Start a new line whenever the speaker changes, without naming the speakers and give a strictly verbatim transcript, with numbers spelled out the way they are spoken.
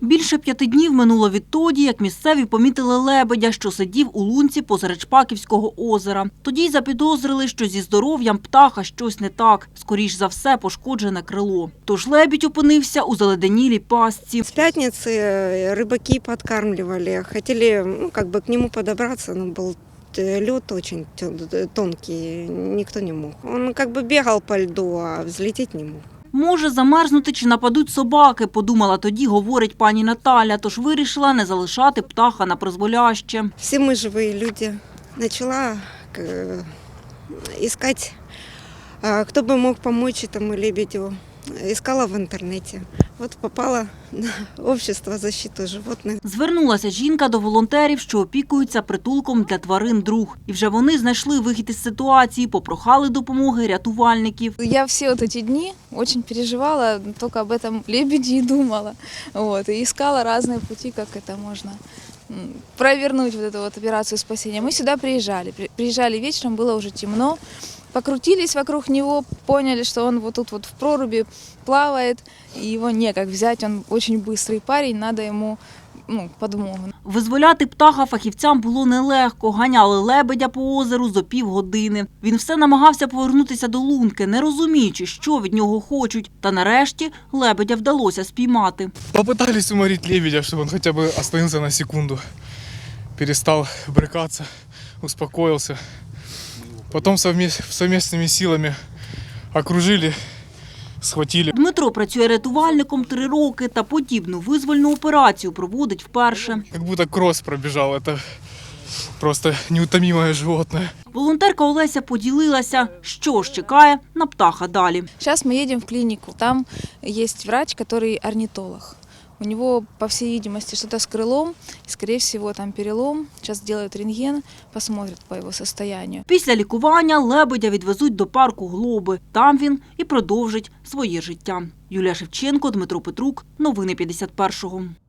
Більше п'яти днів минуло відтоді, як місцеві помітили лебедя, що сидів у лунці посеред Шпаківського озера. Тоді й запідозрили, що зі здоров'ям птаха щось не так. Скоріш за все, пошкоджене крило. Тож лебідь опинився у заледенілій пастці.
С пятницы рыбаки подкармливали, хотели ну, как бы к нему подобраться, но был лед очень тонкий, никто не мог. Он как бы бегал по льду, а взлететь не мог.
Може замерзнути чи нападуть собаки, подумала тоді, говорить пані Наталя, тож вирішила не залишати птаха на призволяще.
Все мы живые люди. Начала искать, кто бы мог помочь этому лебедю. Искала в інтернеті. От попала на общество защити животних.
Звернулася жінка до волонтерів, що опікуються притулком для тварин «Друг». І вже вони знайшли вихід із ситуації, попрохали допомоги рятувальників.
Я все вот эти дни очень переживала, только об этом лебеде и думала. Вот, и искала разные пути, как это можно провернуть, вот эту вот операцию спасения. Мы сюда приезжали. Приезжали вечером, было уже темно. Покрутились вокруг него, поняли, что он вот тут вот в проруби плавает, и его некак взять, он очень быстрый парень, надо ему ну, подмогу.
Визволяти птаха фахівцям було нелегко. Ганяли лебедя по озеру зо півгодини. Він все намагався повернутися до лунки, не розуміючи, що від нього хочуть. Та нарешті лебедя вдалося спіймати.
Попытались уморить лебедя, чтобы он хотя бы остановился на секунду. Перестал брыкаться, успокоился. Потом совместными силами окружили, схватили.
Дмитро працює рятувальником три роки та подібну визвольну операцію проводить вперше.
Как будто кросс пробежал, это просто неутомимое животное.
Волонтерка Олеся поділилася, що ж чекає на птаха далі.
Сейчас мы едем в клинику, там есть врач, который орнитолог. У него, по всей видимости, что-то с крылом, скорее всего, там перелом. Сейчас делают рентген, посмотрят по его состоянию.
Після лікування лебедя відвезуть до парку Глоби. Там він і продовжить своє життя. Юлія Шевченко, Дмитро Петрук. Новини п'ятдесят першого.